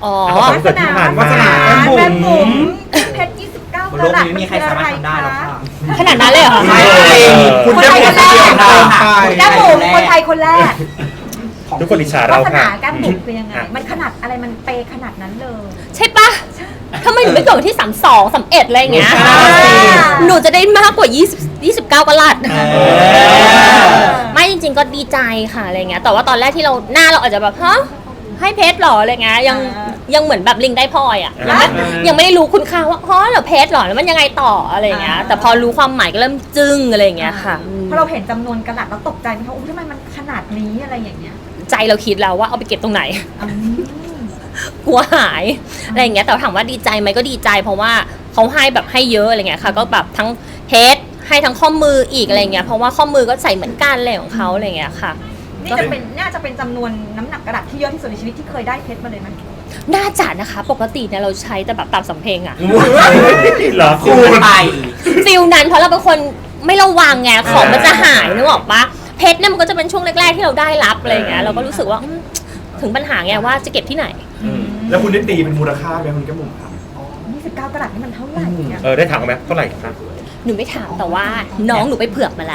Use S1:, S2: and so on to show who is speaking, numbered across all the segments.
S1: อ๋อ
S2: วาสนาแม่บุ๋มเพชร29
S3: บน
S2: ก
S3: โลก
S2: รัต
S3: นี้ไม่มีใครสามารถทำได้หรอกค่ะ
S1: ขนาดนั้นเลยเหรอคะ
S3: คุณแก้มบุ๋มคนเดียวค่ะ
S2: แก้มบุ๋มคนไทยคนแรก
S4: ทุกคนอิจฉาว
S2: า
S4: เรา
S2: สนา
S4: ค่ะ
S2: แก้มบุ๋มคือยังไงมันขนาดอะไรมันเปขนาดนั้นเลย
S1: ใช่ปะทำไมหนูไม่เกิดวันที่32 31อะไรอย่างเงี้ย หนูจะได้มากกว่า20 29กะลัดไม่จริงๆก็ดีใจค่ะอะไรเงี้ยแต่ว่าตอนแรกที่เราหน้าเราอาจจะแบบฮะให้เพชรหรออะไรเงี้ยยังเหมือนแบบลิงได้พลอยอ่ะยังไม่ได้รู้คุณค่าว่าอ๋อเหรอเพชรหรอแล้วมันยังไงต่ออะไรเงี้ยแต่พอรู้ความหมายก็เริ่มจึ้งอะไรเงี้ยค่ะ
S2: พอเราเห็นจำนวนกระดัษเราตกใจไหมคะอุ้ยทำไมมันขนาดนี้อะไรอย่างเงี้ย
S1: ใจเราคิดแล้วว่าเอาไปเก็บตรงไหน กลัวหายอะไรอย่างเงี้ยแต่ถามว่าดีใจไหมก็ดีใจเพราะว่าเขาให้แบบให้เยอะอะไรเงี้ยค่ะก็แบบทั้งเพชรให้ทั้งข้อมืออีกอะไรเงี้ยเพราะว่าข้อมือก็ใส่เหมือนกันอะไรของเขาอะไรเงี้ยค่ะ
S2: น่าจะเป็นจำนวนน้ำหนักกระดาษที่เยอะที่สุดในชีวิตที่เคยได้เพชรมาเลยไหม
S1: น่าจะนะคะปกติเนี่ยเราใช้แต่แบบตามสำเพ็งอะ
S4: เหรอ
S3: คูณไป
S1: ฟิลนั้นเพราะเราเป็นคนไม่ระวังไงของมันจะหายนึกออกปะเพชรเนี่ยมันก็จะเป็นช่วงแรกๆที่เราได้รับอะไรเงี้ยเราก็รู้สึกว่าถึงปัญหาไงว่าจะเก็บที่ไหน
S5: แล้วคุณได้ตีเป็นมูลค่าไหมคุณแก้มบุ๋มครับ
S2: 29 กรัตนี่มันเท่าไหร่เนี่ย
S4: ได้ถามเขาไหมเท่าไหร่ครับ
S1: หนูไม่ถามแต่ว่าน้องหนูไปเผือกมาแล้ว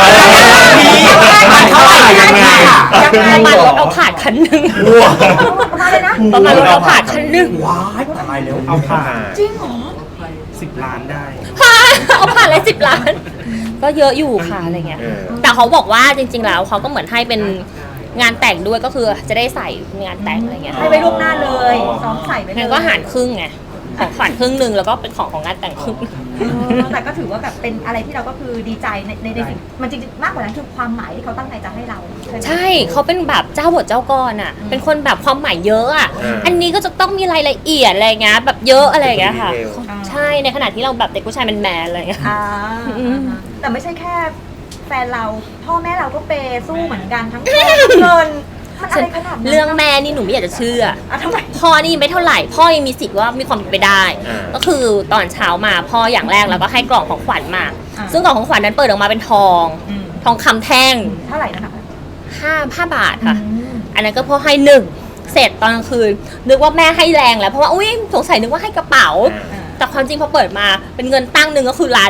S3: มันเท่าไหร่ยังไง
S1: ประมาณรถเอาผาดคันหนึ่ง
S2: ประมาณเลยนะ
S1: ประมาณรถเอาผาดคันหนึ่ง
S3: ว้ายตายแล้ว
S4: เอาผ่า
S2: จริงเหรอ
S5: 10 ล้านได้
S1: เอาผ่านเลย10 ล้าน ก็เยอะอยู่ค่ะอะไรเงี้ยแต่เขาบอกว่าจริงๆแล้วเขาก็เหมือนให้เป็นงานแต่งด้วยก็คือจะได้ใส่งานแต่งอะไรเงี้ย
S2: ให้ไว้ล่วงหน้าเลยซ้อมใส่ไปเลย
S1: งั้นก็หารครึ่งไงของขวัญครึ่งหนึ่งแล้วก็เป็นของงานแต่งครึ่ง
S2: แต่ก็ถือว่าแบบเป็นอะไรที่เราก็คือดีใจในสิ่งมันจริงๆมากกว่านั้นคือความหมายที่เขาตั้งใจจะให้เราไหม
S1: ใช่เขาเป็นแบบเจ้าบทเจ้ากรอ่ะเป็นคนแบบความหมายเยอะอ่ะอันนี้ก็จะต้องมีรายละเอียดอะไรเงี้ยแบบเยอะอะไรเงี้ยค่ะใช่ในขณะที่เราแบบเด็กผู้ชายแมนๆอะไรเงี้ย
S2: แต่ไม่ใช่แค่แฟนเราพ่อแม่เราก็เปย์สู้เหมือนกันทั้งทองทั้งเงินมันอะไรขนาดนั้น
S1: เรื่องแม่นี่หนูไม่อยากจะเชื่อ
S2: ทำไม
S1: พ่อนี่ไม่เท่าไหร่พ่อยังมีสิทธิ์ว่ามีความเป็นไปได้ ก็คือตอนเช้ามาพ่ออย่างแรกแล้วก็ให้กล่องของขวัญมา ซึ่งกล่องของขวัญนั้นเปิดออกมาเป็นทองคำแท่ง
S2: เท่าไหร่นะคะ
S1: 5 บาทค่ะ อันนั้นก็พ่อให้1เสร็จตอนกลางคืนนึกว่าแม่ให้แรงแล้วเพราะว่าอุ้ยสงสัยนึกว่าให้กระเป๋า แต่ความจริงพอเปิดมาเป็นเงินตั้งหนึ่งก็คือ1 ล้าน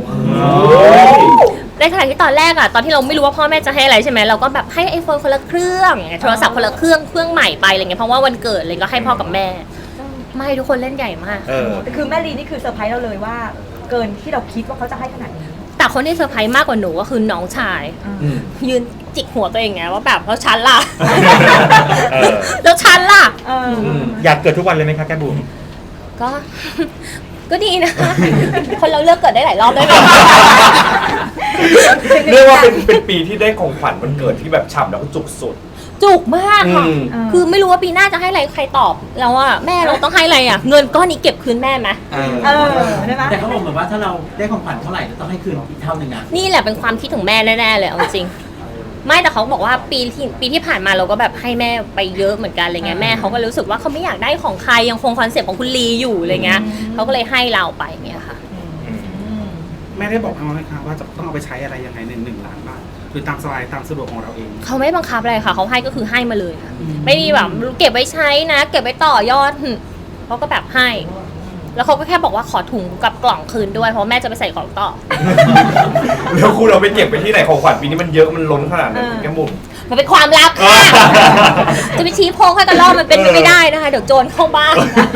S1: ในขณะที่ตอนแรกอะตอนที่เราไม่รู้ว่าพ่อแม่จะให้อะไรใช่ไหมเราก็แบบให้ไอโฟนคนละเครื่องโทรศัพท์คนละเครื่องใหม่ไปอะไรเงี้ยเพราะว่าวันเกิดเลยก็ให้พ่อกับแม่ ไม่ทุกคนเล่นใหญ่มาก
S2: คือแม่ลีนี่คือเซอร์ไพรส์เราเลยว่าเกินที่เราคิดว่าเขาจะให้ขนาดนี้
S1: แต่คนที่เซอร์ไพรส์มากกว่าหนูก็คือน้องชายยืนจิกหัวตัวเองไงว่าแบบแล้วฉันล่ะแล้วฉันล่ะ
S4: อยากเกิดทุกวันเลยไหมคะแก้มบุ๋ม
S1: ก็ ก็ดีนะ คนเราเลือกเกิดได้หลายรอบได้ไหม
S5: เรียกว่าเป็นปีที่ได้ของขวัญวันเกิดที่แบบฉ่ำแล้วก็จุกสุด
S1: จุกมากค่ะคือไม่รู้ว่าปีหน้าจะให้อะไรใครตอบแล้วว่าแม่เราต้องให้อะไรอ่ะเงินก้อนนี้เก็บคืนแม่ไหม
S2: ได้ไหม
S3: แต่เขาบอกเหมือนว่าถ้าเราได้ของขวัญเท่าไหร่จะต้องให้คืนอีกเท่านึงนะ
S1: นี่แหละเป็นความคิดของแม่แน่ๆเลยเอาจริงไม่แต่เขาบอกว่าปีที่ผ่านมาเราก็แบบให้แม่ไปเยอะเหมือนกันอะไรเงี้ยแม่เขาก็รู้สึกว่าเขาไม่อยากได้ของใครยังคงคอนเซ็ปต์ของคุณลีอยู่อะไรเงี้ยเขาก็เลยให้เราไปเงี้ยค่ะ
S6: แม่ได้บอกเขาไหมคะว่าจะต้องเอาไปใช้อะไรยังไงใน1 ล้านบาทหรือตามสบายตามสะดวกของเราเอง
S1: เขาไม่บังคับอะไรค่ะเขาให้ก็คือให้มาเลยค่ะไม่มีแบบเก็บไว้ใช้นะ เก็บไว้ต่อยอดเขาก็แบบให้ แล้วเขาก็แค่บอกว่าขอถุงกับกล่องคืนด้วยเพราะแม่จะไปใส่ของต่อ
S5: แล้วคุณเอาไปเก็บไปที่ไหนของขวัญปีนี้มันเยอะมันล้นขนาดนั้นคุณแก้มบุ๋ม
S1: มันเป็นความลับค่ะ จะไปชี้โพงให้กันรอบมันเป็นไปไม่ได้นะคะเดี๋ยวโจรเข้าบ้าน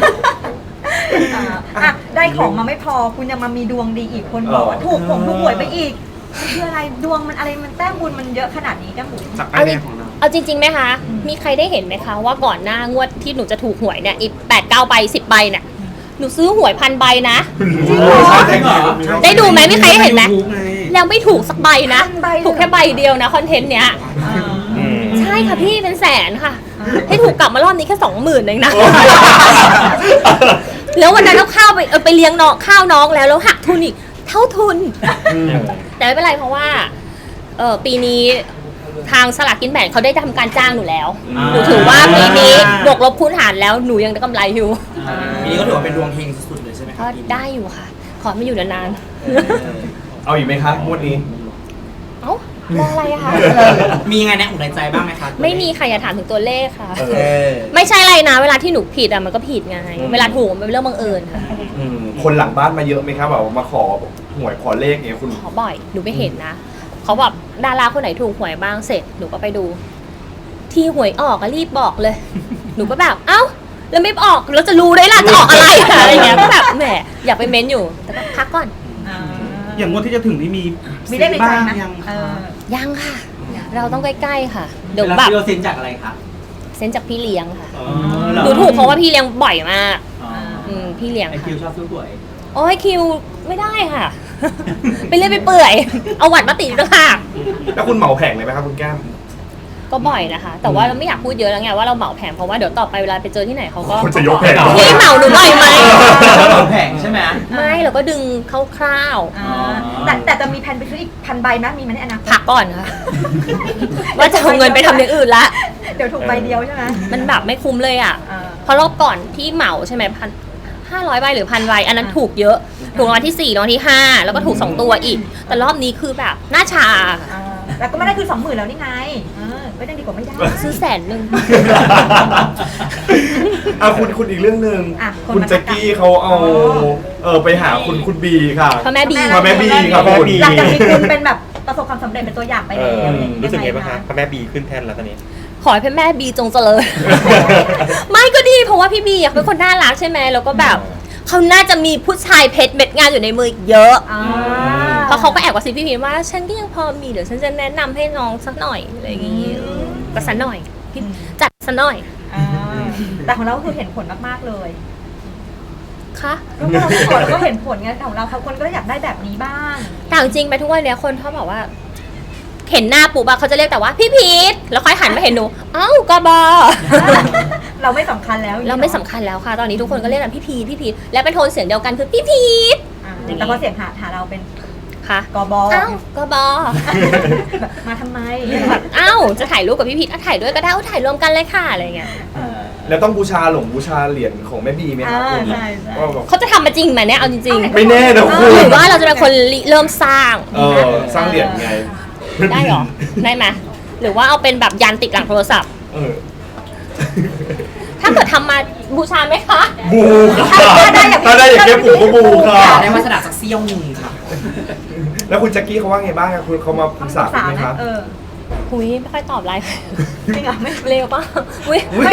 S2: ได้ของมาไม่พอคุณยังมามีดวงดีอีกคนบอกว่าถูกหวยไปอีกคืออะไรดวงมันอะไรมันแต้มบุญมันเยอะขนาดนี้แก้มบุ๋ม
S6: จากป้ายแดงของเรา
S1: เอาจริงๆไหมคะ มีใครได้เห็นไหมคะว่าก่อนหน้างวดที่หนูจะถูกหวยเนี่ยอีก8-9 ใบ10 ใบเนี่ยหนูซื้อหวย1,000 ใบนะ ได้ดูไหมมีใครได้เห็นไหมแล้วไม่ถูกสักใบนะถูกแค่ใบเดียวนะคอนเทนต์เนี้ยใช่ค่ะพี่เป็นแสนค่ะให้ถูกกลับมารอบนี้แค่20,000เองนะ แล้ววันนั้นเราข้าวไปเลี้ยงน้องข้าวน้องแล้วหักทุนอีกเท่าทุน แต่ไม่เป็นไรเพราะว่าปีนี้ทางสลากกินแบ่งเขาได้ทำการจ้างหนูแล้วหนูถือว่าปีนี้บวกลบคูณหารแล้วหนูยังได้กำไรอยู่
S3: ปีนี้ก็ถือว่าเป็นดวงเฮงสุดๆเลยใช่ไหมค
S1: ก็
S3: รับ
S1: ได้อยู่ค่ะ ขอไม่อยู่นาน
S5: เอาอีกไหมคะงวดนี้
S1: ๆเอ้ามองอะไรอะคะ
S3: มียังไงในอกในใจบ้างไหมคะ
S1: ไม่มีค่ะอย่าถามถึงตัวเลขค่ะ
S3: เออ
S1: ไม่ใช่อะไรนะ เวลาที่หนูผิดอะมันก็ผิดไง เวลาถูกมันเป็นเรื่องบังเอิญค่ะ
S5: คนหลังบ้านมาเยอะไหมครับแบบว่ามาขอหวยขอเลขเนี่ยคุณ
S1: ขอบ่อย หนูไปเห็นนะ เขาแบบดาราคนไหนถูกหวยบ้างเสร็จ หนูก็ไปดู ที่หวยออกก็รีบบอกเลย หนูก็แบบ เอ้า แล้วไม่ออกแล้วจะรู้ได้ล่ะจะออกอะไรอะไรอย่างเงี้ย ก็แบบแหมอยากไปเม้นอยู่ แต่ก็พักก่อน
S6: อย่างงวดที่จะถึงนี่มี
S2: มีได้ในใจ
S6: บ้าง
S2: ไหม
S6: ยัง
S2: เอ
S6: คะ
S2: อ
S1: ยังค่ะ เราต้องใกล้ๆค่ะ เดี๋ยว
S3: เวลา
S1: แบบ
S3: ซื้อเราเซ็นจากอะไรคะ
S1: เซ็นจากพี่เลี้ยงค่ะ
S3: อ๋อ
S1: หนูถูกเพราะว่าพี่เลี้ยงบ่อยมาก
S3: อ๋อ
S1: พี่เลี้ยง
S3: ไอคิ
S1: ค่ะ
S3: วชอบซื้อหวย
S1: โอ้ยคิวไม่ได้ค่ะ ไปเรื่อยไปเปื่อย เอาหวัดมาติดต่างหาก
S5: แล้วคุณเหมาแผงเลยไหมครับคุณแก้ม
S1: ก็บ่อยนะคะ แต่ว่าเราไม่อยากพูดเยอะแล้วไงว่าเราเหมาแผงเพราะว่าเดี๋ยวต่อไปเวลาไปเจอที่ไหนเขาก็
S5: คนจะยกแผง
S1: พี่เหมาหนูหน่อยไหม
S3: แผงใช่ไหม
S1: ไม่เราก็ดึงคร่าว
S2: แต่จะมีแผนไปซื้ออีก1,000 ใบไหมมีไหมในอนาค
S1: ๆ
S2: ต
S1: พักก่อนค่ะ ว่าจะเอาเงินไปทำอย่างอื่นละ
S2: เดี๋ยวถูกใบเดียวใช่ไหม
S1: มันแบบไม่คุ้มเลยอ่ะ
S2: อ่า
S1: เพราะรอบก่อนที่เหมาใช่ไหม500 ใบหรือ1,000 ใบอันนั้นถูกเยอะ ถูกรางวัลที่ 4รางวัลที่ 5 แล้วก็ถูก 2 ตัวอีก แต่รอบนี้คือแบบหน้าชา
S2: แล้วก็ไม่ได้คือ 20,000แล้วนี่ไงไม่ได้ดีกว่าไม่ได้
S1: ซื้อ100,000
S5: คุณอีกเรื่องหนึ่ง
S2: อ่ะคน
S5: คุณ
S2: มา
S5: แจ็คกี้เขาเอาไปหาคุณบีค่ะ
S1: พระแม่บี
S5: พระแม่บีครับ
S4: พระแม่
S5: คุณ
S4: บี
S2: หลังจากที่คุณเป็นแบบประสบความสำเร็จเป็นตัวอย่างไป
S4: เอ
S2: แล้ว
S4: อรู้สึกไง
S2: ยั
S4: บ้างคะพระแม่บีขึ้นแท่นแล้วตอนนี้
S1: ขอให้พระแม่บีจงเจริญ ไม่ก็ดีเพราะว่าพี่บีอะเป็นคนน่ารักใช่ไหมแล้วก็แบบเขาน่าจะมีผู้ชายเพชรเม็ดงานอยู่ในมืออีกเยอะ
S2: อ่า
S1: เพราะเขาก็แอบกระซิบพี่พีว่าฉันก็ยังพอมีเดี๋ยวฉันจะแนะนำให้น้องสักหน่อยอะไรอย่างงี้ก็สักหน่อยพี่จัดสักหน่อย
S2: อ่าแต่ของเราก็คือเห็นผลมากๆเลย
S1: ค่ะ
S2: ก็เราไม่ขอเราก็เห็นผลไงแต่ของเราคนก็อยากได้แบบนี้บ้าง
S1: แต่จริงๆไปทุกวันเนี้ยคนเขาบอกว่า เห็นหน้าปุ๊บอะเขาจะเรียกแต่ว่าพี่พีทแล้วค่อยหันมาเห็นหนูเอ้ากบอ
S2: เราไม่สำคัญแล้ว
S1: เราไม่สำคัญแล้วค่ะ ตอนนี้ทุกคนก็เรียกกันพี่พีทและเป็นโทนเสียงเดียวกันคือพี่พีท
S2: อ่าแต่พอเสียงหาเราเป็น
S1: ค่ะ
S2: กบ
S1: เอ้ากบอ
S2: แบบมาทำไม
S1: แบบเอ้าจะถ่ายรูปกับพี่พีทถ่ายด้วยก็ได้ถ่ายรวมกันเลยค่ะอะไรเงี้ย
S5: แล้วต้องบูชาเหรียญของแม่บีไหมครับคุณ
S2: ใช่ใช่
S5: ว่าแบบ
S1: เขาจะทำมาจริงไหมเนี่ยเอาจริง
S5: ไม่แน่นะคุณ
S1: ๆหรือว่าเราจะเป็นคนริเริ่มสร้าง
S5: สร้างเหรียญไง
S1: ได้หรอได้ไหมหรือว่าเอาเป็นแบบยันติดหลังโทรศัพท์ ถ้าเกิดทำมาบูชาไหมคะ
S5: บูค่ะถ้าได้อย่างแก้มบุ๋มก็บูค่ะ
S3: ได้วาสนาสักเซี่ยวหนึ่งค่ะ
S5: แล้วคุณแจ็คกี้เขาว่าไงบ้างอะคุณเขามาปรึกษาคุณไหมคะ
S1: หุยไม่ค่อยตอบไลน์
S2: จริงเหรอไม่
S1: เร็วป่ะหุย
S5: อุ๊ย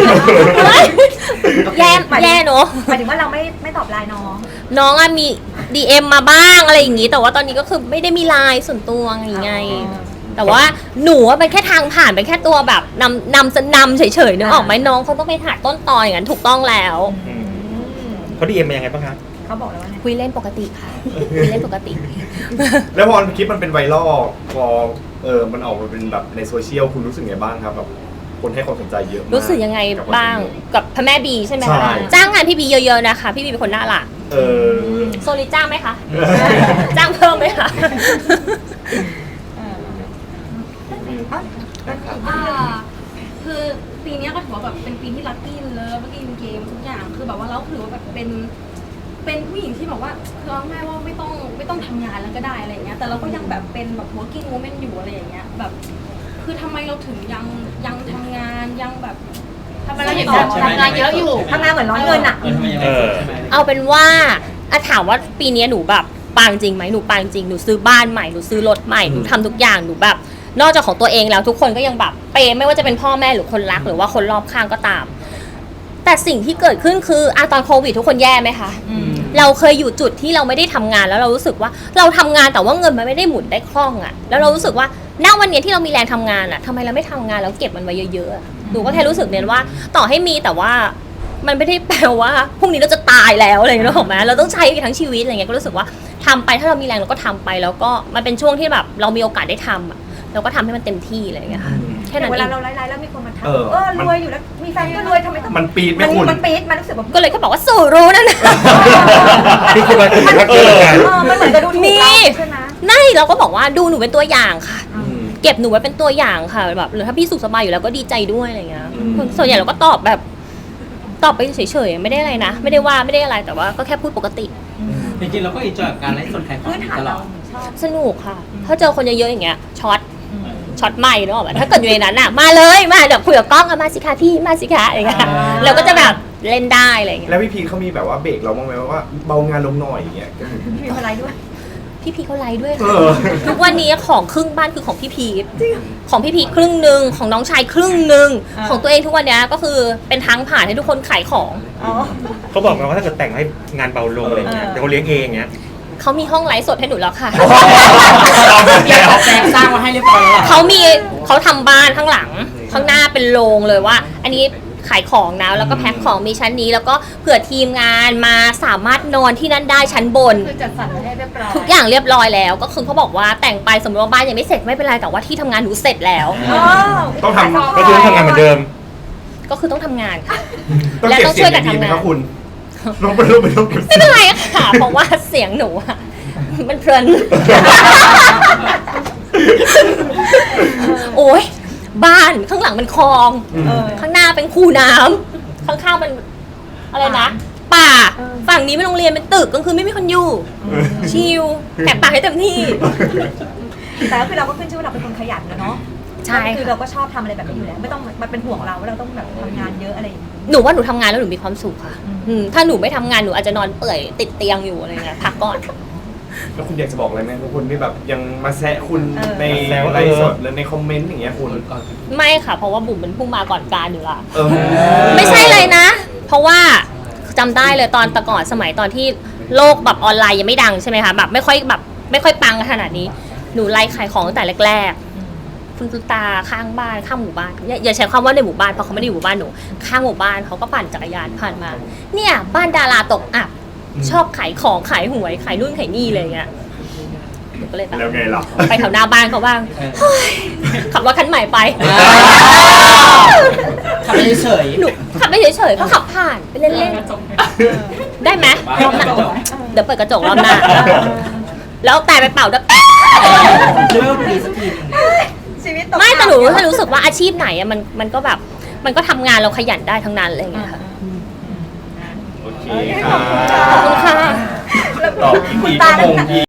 S1: แย่เนอะ
S2: หมายถึงว่าเราไม่ตอบไลน์น้อง
S1: น้องอะมี DM มาบ้างอะไรอย่างงี้ แต่ว่าตอนนี้ก็คือไม่ได้มีไลน์ส่วนตัวไง แต่ว่าหนูว่าเป็นแค่ทางผ่านเป็นแค่ตัวแบบนำเฉยๆนึกออกไหมน้องเขาต้องไปหาต้นตออย่างนั้นถูกต้องแล้ว
S4: เขาดีเอ็มมายังไงบ้างคะ
S2: เขาบอกแล้วว่าไง
S1: คุยเล่นปกติค่ะคุยเล่นปกติ
S5: แล้วพอคลิปมันเป็นไวรัลพอมันออกมาเป็นแบบในโซเชียลคุณรู้สึกไงบ้างครับแบบคนให้ความสนใจเยอะมาก
S1: รู้สึกยังไงบ้างกับพระแม่บีใช่ไหม
S5: ใช่
S1: คะจ้างงานพี่บีเยอะๆนะคะ พี่บีเป็นคนน่ารัก โซลิจ้างไหมคะ จ้างเพิ่มไหมคะ
S7: คือปีเนี้ยก็ถือว่าแบบเป็นปีที่ลัคกี้เลยเมื่อกี้เกมทุกอย่างคือแบบว่าเราถือว่าแบบเป็นผู้หญิงที่แบบว่าคือเอาง่ายว่าไม่ต้องทำงานแล้วก็ได้อะไรอย่างเงี้ยแต่เราก็ยังแบบเป็นแบบ working woman อยู่อะไรอย่างเงี้ยแบบคือทำไมเราถึงยังทำงานยังแบบทำไมเราถึงทำงานเยอะอยู่
S2: ทำงานเหมือนร้อนเงินอ่ะ
S1: เอาเป็นว่าถามว่าปีนี้หนูแบบปังจริงไหมหนูปังจริงหนูซื้อบ้านใหม่หนูซื้อรถใหม่หนูทำทุกอย่างหนูแบบนอกจากของตัวเองแล้วทุกคนก็ยังแบบเปย์ไม่ว่าจะเป็นพ่อแม่หรือคนรักหรือว่าคนรอบข้างก็ตาม แต่สิ่งที่เกิดขึ้นคือตอนโควิดทุกคนแย่ไหมคะเราเคยอยู่จุดที่เราไม่ได้ทำงานแล้วเรารู้สึกว่าเราทำงานแต่ว่าเงินมันไม่ได้หมุนได้คล่องอะแล้วเรารู้สึกว่าณวันนี้ที่เรามีแรงทำงานอะทำไมเราไม่ทำงานแล้วเก็บมันไว้เยอะๆหนูก็แค่รู้สึกเนี่ยว่าต่อให้มีแต่ว่ามันไม่ได้แปลว่าพรุ่งนี้เราจะตายแล้วอะไรอย่างเงี้ยหรอกไหมเราต้องใช้ทั้งชีวิตอะไรเงี้ยก็รู้สึกว่าทำไปถ้าเรามีแรงเราก็ทำไปแล้วก็มันเป็นช่วงที่แบบเรามีโอกาสได้ทำอะเราก็ทำให้มันเต็มที่อะไรอย่างเงี้ยค่ะแค่นั้น
S2: เว
S1: เอ
S2: ลาง เราไลฟ์แล้วมีคนมาทัก
S5: มัน
S2: รวยอยู่แล้วมีแฟนก็รวยทำไมต้อง
S5: มันปี๊ดไหมคุณ
S2: มันปี๊ดมันรู้สึกแบบ
S1: ก็เลยก็บอกว่าสู่รู้นั่นนะ
S4: นี่คือมันคือเกิดกัน
S2: มันเหมือนจะดูถูกเราใช่ไหม
S1: ไม่เราก็บอกว่าดูหนูเป็นตัวอย่างค่ะ เก็บหนูไว้เป็นตัวอย่างค่ะแบบหรือถ้าพี่สุขสบายอยู่แล้วก็ดีใจด้วยอะไรเงี้ยส่วนใหญ่เราก็ตอบแบบตอบไปเฉยๆไม่ได้อะไรนะไม่ได้ว่าไม่ได้อะไรแต่ว่าก็แค่พูดปกติ
S3: จริงๆเราก็อินจอยกับการไลฟ์สดขายของ
S2: พื้นฐาน
S3: ตล
S2: เรา
S3: อด
S2: ช
S1: สนุกค่ะ ถ้าเจอคนเยอะๆอย่างเงี้ยช็อตใหม่เนอะถ้าเกิดอยู่ในนั้นอ่ะมาเลยมาเดี๋ยวคุยกับกล้องอะมาสิคะพี่มาสิคะอะไรเงี้ยเราก็จะแบบเล่นได้อะไรเงี้ย
S5: แล้วพี่พีทเขามีแบบว่าเบรกเราบ้างไหมว่าเบางานลงหน่อยอย่างเงี้ย
S2: มีอะไรด้วย
S1: พี่พีเขาไลฟ์ด้วย
S5: เอ
S1: ค่ะ
S5: อ
S1: ทุกวันนี้ของครึ่งบ้านคือของพี่พีทของพี่พีทครึ่งหนึ่งของน้องชายครึ่งหนึ่ง
S2: อ่า
S1: ของตัวเองทุกวันนี้ก็คือเป็นทางผ่านให้ทุกคนขายของ
S2: อ๋อ
S4: เขาบอกมาว่าถ้าเกิดแต่งให้งานเบาลงอะไรเงี้ย
S2: เออ
S4: เดี๋ยวเขาเลี้ยงเองเงี้ย
S1: เขามีห้องไลฟ์สดให้หนูแล้วค่ะ
S3: เรียกแซงสร้างมาให้เรียบร้อยแล้วเหรอ
S1: เขาทำบ้านข้างหลังข้างหน้าเป็นโรงเลยว่า อันนี้ขายของนะแล้วก็แพ็คของมีชั้นนี้แล้วก็เผื่อทีมงานมาสามารถนอนที่นั่นได้ชั้นบน
S7: คือจัดสรรให้เรียบร้อย
S1: ทุกอย่างเรียบร้อยแล้วก็คือเขาบอกว่าแต่งไปสมมติว่าบ้านยังไม่เสร็จไม่เป็นไรแต่ว่าที่ทำงานหนูเสร็จแล้ว
S2: อ๋อ
S5: ต้องทำ
S4: ก็คือต้องทำงานเหมือนเดิม
S1: ก็คือต้องทำงานค่ะ
S5: ต้อง
S1: และ
S5: เก็บ
S1: ต้อง
S5: เสี
S1: ช่
S5: ย
S1: วย
S5: ง
S1: กัน
S5: ดีๆไหม
S1: ทำงาน
S5: ครับคุณลงไปลงไปลงเก็บ
S1: ไม่เป็นไรค่ะ เพราะว่าเสียงหนูอะมันเพลิน โอ้ยบ้านข้างหลังเป็นคลอง
S2: เออ
S1: ข้างหน้าเป็นคูน้ำข้างๆเป็นอะไรนะ ป่า
S2: เออ
S1: ฝั่งนี้เป็นโรงเรียนเป็นตึกกลางคืนไม่มีคนอยู่ ชิลแหกปากให้เต็มที่
S2: แต่ก็คือเราก็ขึ้นชื่อว่าเราเป็นคนขยันนะเนาะ
S1: ใช่ค่ะ
S2: คือเราก็ชอบทำอะไรแบบนี้อยู่แล้วไม่ต้องมาเป็นห่วงเราว่าเราต้องแบบทำงานเยอะอะไรอย่างนี้
S1: หนูว่าหนูทำงานแล้วหนูมีความสุขค่ะ
S2: อืม
S1: ถ้าหนูไม่ทำงานหนูอาจจะนอนเปื่อยติดเตียงอยู่อะไรเงี้ยพักก่อน
S5: แล้วคุณอยากจะบอกอะไรไหมทุกคนที่แบบยังมาแซะคุณ
S2: เออ
S5: ในไลฟ์สดหรือในคอมเมนต์อย่างเงี้ยคุณ
S1: ไม่ค่ะ เพราะว่าบุ๋มเป็นผู้มาก่อนการอยู่ละ
S5: เออ
S1: ไม่ใช่เลยนะ เพราะว่าจำได้เลยตอนแต่ก่อนสมัยตอนที่โลกแบบออนไลน์ยังไม่ดังใช่ไหมคะแบบไม่ค่อยปังขนาดนี้หนูไลฟ์ขายของตั้งแต่แรกๆคุณตุตาข้างบ้านข้างหมู่บ้านอย่าใช้คำว่าในหมู่บ้านเพราะเขาไม่ได้อยู่หมู่บ้านหนูข้างหมู่บ้านเขาก็ปั่นจักรยานผ่านมา เนี่ยบ้านดาราตกอับชอบขายของขายหวยขายนู่นขายนี่เลยอย่างเงี้ยหนูก็เลยแบบ
S5: แล้วไงล่ะ
S1: ไปแถวหน้าบ้านเขาบ้างเฮ้ยขับรถคันใหม่ไป
S3: ทำไปเฉย
S1: หนูขับไปเฉยๆก็ขับผ่านไปเล่นๆได้ไหมรอบหน้าเดี๋ยวเปิดกระจกรอบหน้า แล้วแต่ไปเป่าด้วย
S3: เริ่มดีสักทีหนึง
S2: ชีวิตตก
S1: ไม่แต่หนู
S2: ต่ำ
S1: ถ้ารู้สึกว่าอาชีพไหนอะมันก็แบบมันก็ทำงานเราขยันได้ทั้งนั้นอะไรอย่างเงี้ยค่ะ
S5: โอเค
S2: โอเค
S5: ค
S2: ข
S5: รั
S2: อบคุณค่ะ
S1: ขอบคุณค่ะ
S5: ตอบอีก
S2: คุณ
S5: ที
S2: ตา
S5: ก็งง
S2: ตั้งแต่
S5: ที